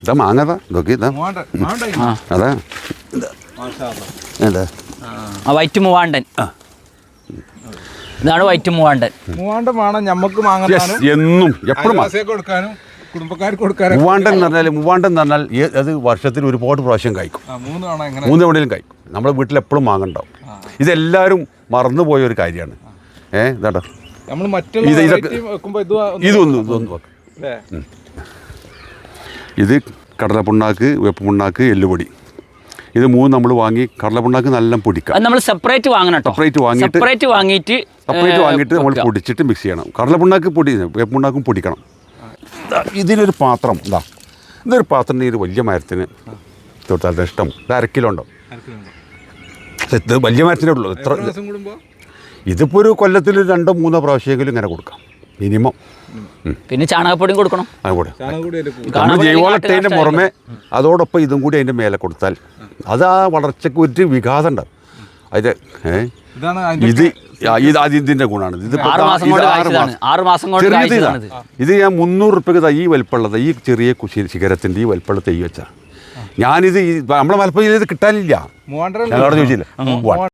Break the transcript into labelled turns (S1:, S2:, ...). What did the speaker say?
S1: ഇതാ മാങ്ങതാ നോക്കി ഇതാ അതാ എന്താ
S2: വൈറ്റ് മൂവാണ്ടൻ. ഇതാണ് വൈറ്റ് മൂവാണ്ടൻ.
S3: മൂവാണ്ടൻ വേണം ഞമ്മക്ക് വാങ്ങാനും
S1: എന്നും എപ്പോഴും
S3: കൊടുക്കാനും കുടുംബക്കാർക്ക് കൊടുക്കാനും.
S1: മൂവാണ്ടൻ എന്ന് പറഞ്ഞാൽ അത് വർഷത്തിൽ ഒരുപാട് പ്രാവശ്യം കഴിക്കും. 3 തവണയിലും കഴിക്കും. നമ്മുടെ വീട്ടിൽ എപ്പോഴും മാങ്ങണ്ടാവും. ഇതെല്ലാവരും മറന്നുപോയ ഒരു കാര്യമാണ്. ഇതാട്ടോ ഇതൊന്നും ഇത് കടലപ്പിണ്ണാക്ക്, വേപ്പ് പിണ്ണാക്ക്, എല്ലുപൊടി, ഇത് 3 നമ്മൾ വാങ്ങി കടലപ്പിണ്ണാക്ക് നല്ല പൊടിക്കാം.
S2: നമ്മൾ സെപ്പറേറ്റ് വാങ്ങണം.
S1: സെപ്പറേറ്റ് വാങ്ങിയിട്ട് നമ്മൾ പൊടിച്ചിട്ട് മിക്സ് ചെയ്യണം. കടലപ്പിണ്ണാക്ക് പൊടി, വേപ്പ് പിണ്ണാക്കും പൊടിക്കണം. ഇതിനൊരു പാത്രം ഇതൊരു പാത്രം ഈ വലിയ മരത്തിന് തൊട്ടാൽ ഇഷ്ടം. ഇത് 1/2 കിലോ ഉണ്ടോ? ഇത് വലിയ മരത്തിനേ ഉള്ളൂ. ഇതിപ്പോൾ ഒരു കൊല്ലത്തിൽ 2-3 പ്രാവശ്യമെങ്കിലും ഇങ്ങനെ കൊടുക്കാം മിനിമം.
S2: പിന്നെ ചാണകപ്പൊടിയും കൊടുക്കണം.
S1: നമ്മൾ ജൈവവളത്തിൻ്റെ പുറമെ അതോടൊപ്പം ഇതും കൂടി അതിൻ്റെ മേലെ കൊടുത്താൽ അത് ആ വളർച്ചയ്ക്ക് ഒരു വികാസം ഉണ്ടാവും. അത് ഇതിൻ്റെ ഗുണമാണ്. ഇത്
S2: 6 മാസം കൊണ്ട്
S1: ഇത് ഞാൻ 300 റുപ്യക്ക് ഈ വലിപ്പമുള്ളത്, ഈ ചെറിയ ശിഖരത്തിൻ്റെ ഈ വലിപ്പമുള്ള തൈ വെച്ചാൽ ഞാനിത് നമ്മളെ മലപ്പുറം ജില്ലയിൽ കിട്ടാനില്ല. ഞങ്ങളവിടെ ചോദിച്ചില്ല.